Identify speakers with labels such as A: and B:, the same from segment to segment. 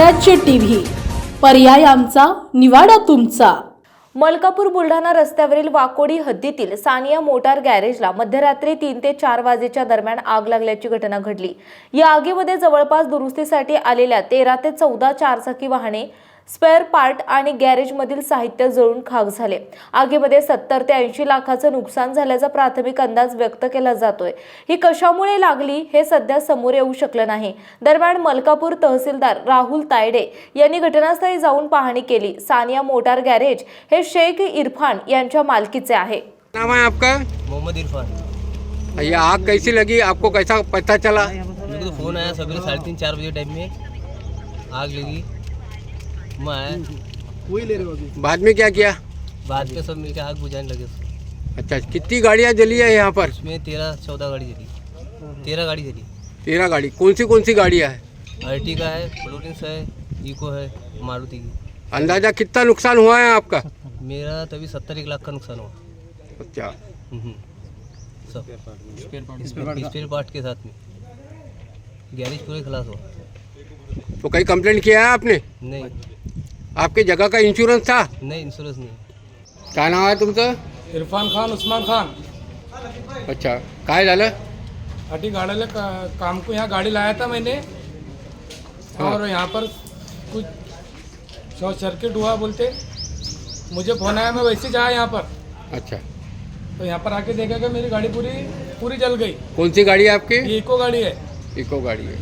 A: स्वराज्य टीव्ही, पर्याय आमचा, निवाडा तुमचा।
B: मलकापूर बुलढाणा रस्त्यावरील वाकोडी हद्दीतील सानिया मोटार गॅरेजला मध्यरात्री 3 ते 4 वाजेच्या दरम्यान आग लागल्याची घटना घडली। या आगीमध्ये जवळपास दुरुस्तीसाठी आलेल्या 13 ते 14 चारचाकी वाहने, स्पेअर पार्ट आणि गॅरेजमधील साहित्य जळून खाक झाले। आगीमध्ये 70 ते 80 लाखाचं नुकसान झाल्याचा प्राथमिक अंदाज व्यक्त केला जातोय। ही कशामुळे लागली हे सध्या समोर येऊ शकलं नाही। दरम्यान मलकापूर तहसीलदार राहुल तायडे यांनी घटनास्थळी जाऊन पाहणी केली। सानिया मोटार गॅरेज हे शेख इरफान यांच्या मालकीचे आहे।
C: नाम है आपका?
D: मोहम्मद इरफान।
C: ये आग कैसी लगी, आपको कैसा पता चला?
D: मेरे को तो फ़ोन आया सवेरे 3:30-4 बजे टाइम में आग लगी। मैं आया,
C: बाद में क्या किया?
D: बाद में सब मिलकर आग बुझाने लगे।
C: अच्छा, कितनी गाड़ियाँ जली है यहाँ पर?
D: उसमें 13-14 गाड़ी जली, 13 गाड़ी जली।
C: 13 गाड़ी। कौन सी गाड़ियाँ है?
D: अर्टिगा है, फ्लोरेंस है, इको है, मारुति की।
C: अंदाजा कितना नुकसान हुआ है आपका?
D: मेरा तभी 70-1 लाख का नुकसान हुआ।
C: अच्छा,
D: सब स्पेयर पार्ट के साथ में गैरेज पूरे खलास हुआ।
C: तो कहीं कंप्लेंट किया है आपने?
D: नहीं
C: आपके जगह का इंश्योरेंस था?
D: नहीं, इंश्योरेंस नहीं।
C: काय नाव आहे तुमचं?
E: इरफान खान, उस्मान खान।
C: अच्छा, काय झालं?
E: अटी गाड़ी काम को यहाँ गाड़ी लाया था मैंने, और यहाँ पर कुछ शॉर्ट सर्किट हुआ बोलते मुझे फोन आया। मैं वैसे जाया यहाँ पर,
C: अच्छा,
E: तो यहाँ पर आके देखा कि मेरी गाड़ी पूरी जल गई।
C: कौन सी गाड़ी है आपकी?
E: ये इको गाड़ी है।
C: इको गाड़ी है।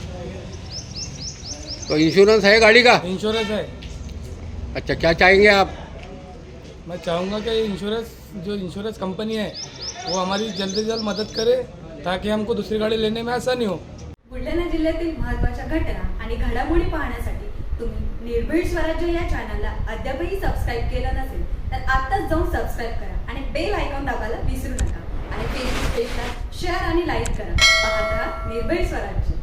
C: तो इंश्योरेंस है गाड़ी का?
E: इंश्योरेंस है।
C: अच्छा, क्या चाहेंगे आप?
E: मैं चाहूँगा कि जो इंश्योरेंस कंपनी है वो हमारी जल्द से जल्द मदद करे, ताकि हमको दूसरी गाड़ी लेने में आसानी हो।
F: बुलढाणा जिल्ह्यातील महत्त्वाच्या घटना आणि घडामोडी पाहण्यासाठी तुम्ही निर्भीड स्वराज्य या चॅनलला अद्यापही सबस्क्राईब केलं नसेल तर आत्ताच जाऊन सबस्क्राईब करा आणि बेल आयकॉन दाबायला विसरू नका। आणि फेसबुक पेजला शेअर आणि लाईक करा। पाहत राहा निर्भीड स्वराज्य।